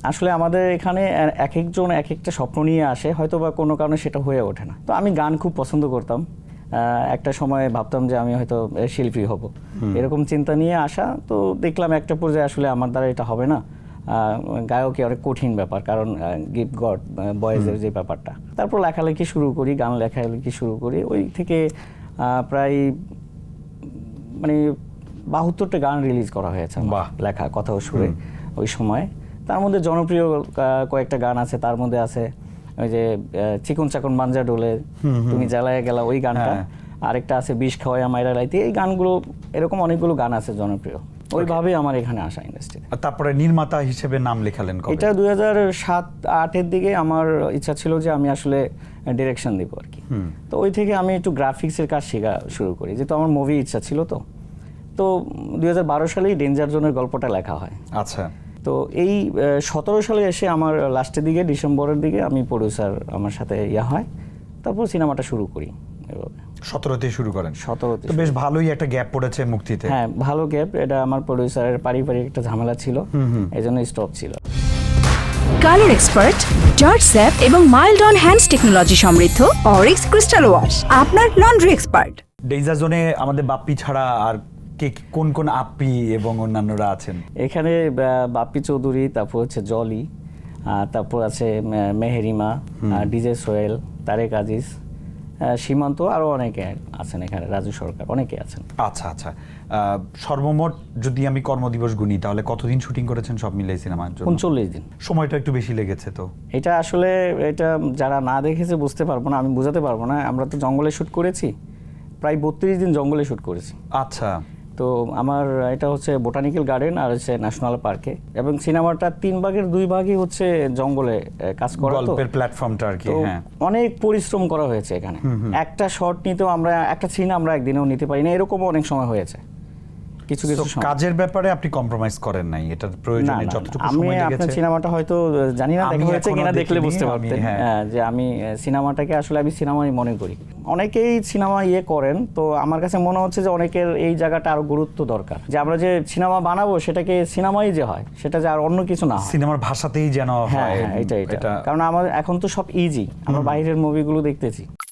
আসলে আমাদের এখানে এক একজন এক একটা স্বপ্ন নিয়ে আসে, হয়তো বা কোনো কারণে সেটা হয়ে ওঠে না। তো আমি গান খুব পছন্দ করতাম, একটা সময় ভাবতাম যে আমি হয়তো শিল্পী হব, এরকম চিন্তা নিয়ে আসা। তো দেখলাম একটা পর্যায়ে আসলে আমার দ্বারা এটা হবে না, গায়কই অনেক কঠিন ব্যাপার, কারণ গিফট গড বয়েজের যে ব্যাপারটা। তারপর লেখালেখি শুরু করি, গান লেখালেখি শুরু করি। ওই থেকে প্রায় মানে 72টা গান রিলিজ করা হয়েছে লেখা কথা ও সুরে ওই সময়। তার মধ্যে জনপ্রিয় কয়েকটা গান আছে, তার মধ্যে আছে ওই যে চিকন চাকন মাঞ্জা ডোলে, তুমি জ্বালায় গেলা, ওই গানটা। আরেকটা আছে বিষ খাওয়াইয়া মাইরা লাইতে। এই গানগুলো, এরকম অনেকগুলো গান আছে জনপ্রিয়। ওইভাবেই আমার এখানে আসা ইন্ডাস্ট্রিতে। তারপরে নির্মাতা হিসেবে নাম লেখালেন কবে? এটা 2007-08-এর দিকে আমার ইচ্ছা ছিল যে আমি আসলে ডিরেকশন দিব আর কি। তো ওই থেকে আমি একটু গ্রাফিক্সের কাজ শেখা শুরু করি, যেহেতু আমার মুভি ইচ্ছা ছিল। তো 2012 সালেই ডেঞ্জার জোনের গল্পটা লেখা হয়। আচ্ছা। তো এই 17 সালে এসে আমার লাস্টের দিকে, ডিসেম্বরের দিকে আমি প্রডিউসার আমার সাথে হয়, তারপর সিনেমাটা শুরু করি। এভাবে 17তে শুরু করেন? 17তে। তো বেশ ভালোই একটা গ্যাপ পড়েছে মুক্তিতে। হ্যাঁ, ভালো গ্যাপ। এটা আমার প্রডিউসারের পারিবারিক একটা ঝামেলা ছিল, এই জন্য স্টপ ছিল। কালার এক্সপার্ট, জর্জ স্যাপ এবং মাইল্ড অন হ্যান্ডস টেকনোলজি সমৃদ্ধ অরিক্স ক্রিস্টাল ওয়াশ আপনার লন্ড্রি এক্সপার্ট। ডেঞ্জার জোনে আমাদের বাপ্পি ছাড়া আর কোন কোন আপ্পি এবং অন্যান্যরা আছেন? এখানে বাপ্পি চৌধুরী, তারপর হচ্ছে জলি, তারপর আছে মেহেরিমা, ডিজে সোহেল, তারেক আজিজ, সীমান্ত, আরও অনেকে আছেন এখানে, রাজু সরকার, অনেকে আছেন। আচ্ছা আচ্ছা। সর্বমোট যদি আমি কর্মদিবস গুনি, তাহলে কতদিন শুটিং করেছেন সব মিলিয়ে সিনেমার জন্য? 39 দিন। সময়টা একটু বেশি লেগেছে তো? এটা আসলে এটা যারা না দেখেছে বুঝতে পারবো না, আমি বোঝাতে পারবো না। আমরা তো জঙ্গলে শ্যুট করেছি, প্রায় 32 দিন জঙ্গলে শ্যুট করেছি। আচ্ছা। তো আমার এটা হচ্ছে বোটানিক্যাল গার্ডেন আর হচ্ছে ন্যাশনাল পার্কে, এবং সিনেমাটা 3 ভাগের 2 ভাগই হচ্ছে জঙ্গলে কাজ করা। তো গল্পের প্ল্যাটফর্মটা আর কি। হ্যাঁ, অনেক পরিশ্রম করা হয়েছে এখানে। একটা শট নিতেও আমরা, একটা সিন আমরা একদিনেও নিতে পারি না, এরকমও অনেক সময় হয়েছে। কিছু কিছু কাজের ব্যাপারে আপনি কম্প্রোমাইজ করেন নাই, এটার প্রয়োজনে যতটুকু সময় লেগেছে? আপনার সিনেমাটা হয়তো জানি না দেখা হয়েছে কিনা, দেখলে বুঝতে পারতেন যে আমি সিনেমাটাকে আসলে আমি সিনেমাই মনে করি। অনেকেই সিনেমা করেন, তো আমার কাছে মনে হচ্ছে যে অনেকের এই জায়গাটা আরো গুরুত্ব দরকার, যে আমরা যে সিনেমা বানাবো সেটাকে সিনেমাই যে হয়, সেটা যে আর অন্য কিছু না হয়, সিনেমার ভাষাতেই যেন হয়। এটা কারণ আমার এখন তো সব ইজি, আমরা বাইরের মুভিগুলো দেখতেছি।